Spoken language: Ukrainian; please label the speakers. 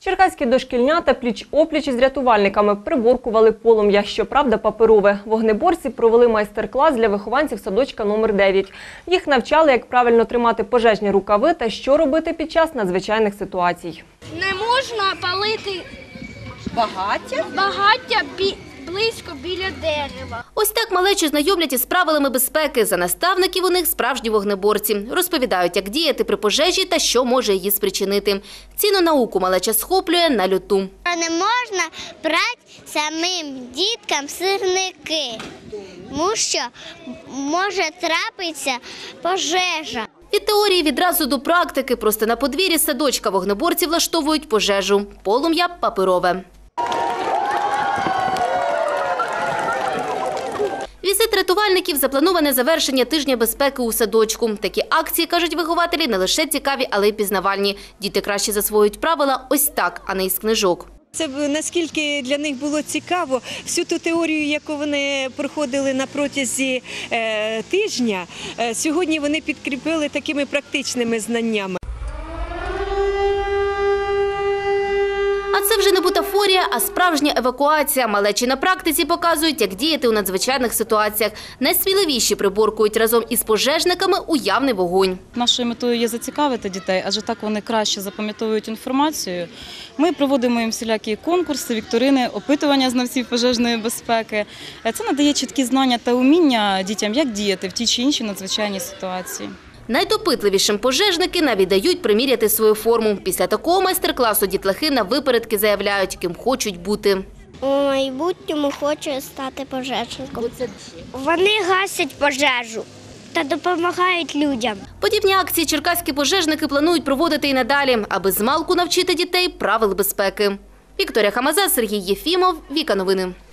Speaker 1: Черкаські дошкільнята пліч-опліч із рятувальниками приборкували полум'я, щоправда паперове. Вогнеборці провели майстер-клас для вихованців садочка номер 9. Їх навчали, як правильно тримати пожежні рукави та що робити під час надзвичайних ситуацій.
Speaker 2: Не можна палити багаття близько біля дерева.
Speaker 3: Ось так малечі знайомлять із правилами безпеки. За наставників у них справжні вогнеборці. Розповідають, як діяти при пожежі та що може її спричинити. Цінну науку малеча схоплює на люту.
Speaker 2: Не можна брати самим діткам сірники, тому що може трапитися пожежа.
Speaker 3: Від теорії відразу до практики. Просто на подвір'ї садочка вогнеборці влаштовують пожежу. Полум'я паперове. Візит рятувальників – заплановане завершення тижня безпеки у садочку. Такі акції, кажуть вихователі, не лише цікаві, але й пізнавальні. Діти краще засвоюють правила ось так, а не із книжок.
Speaker 4: Це наскільки для них було цікаво, всю ту теорію, яку вони проходили на протязі тижня, сьогодні вони підкріпили такими практичними знаннями.
Speaker 3: А це вже не бутафорія, а справжня евакуація. Малечі на практиці показують, як діяти у надзвичайних ситуаціях. Найсміливіші приборкують разом із пожежниками уявний вогонь.
Speaker 5: Нашою метою є зацікавити дітей, адже так вони краще запам'ятовують інформацію. Ми проводимо їм всілякі конкурси, вікторини, опитування знавців пожежної безпеки. Це надає чіткі знання та уміння дітям, як діяти в тій чи іншій надзвичайній ситуації.
Speaker 3: Найдопитливішим пожежники навіть дають приміряти свою форму. Після такого майстер-класу дітлахи на випередки заявляють, ким хочуть бути.
Speaker 2: У майбутньому хочу стати пожежником. Вони гасять пожежу та допомагають людям.
Speaker 3: Подібні акції черкаські пожежники планують проводити і надалі, аби змалку навчити дітей правил безпеки. Вікторія Хамаза, Сергій Єфімов, Віка Новини.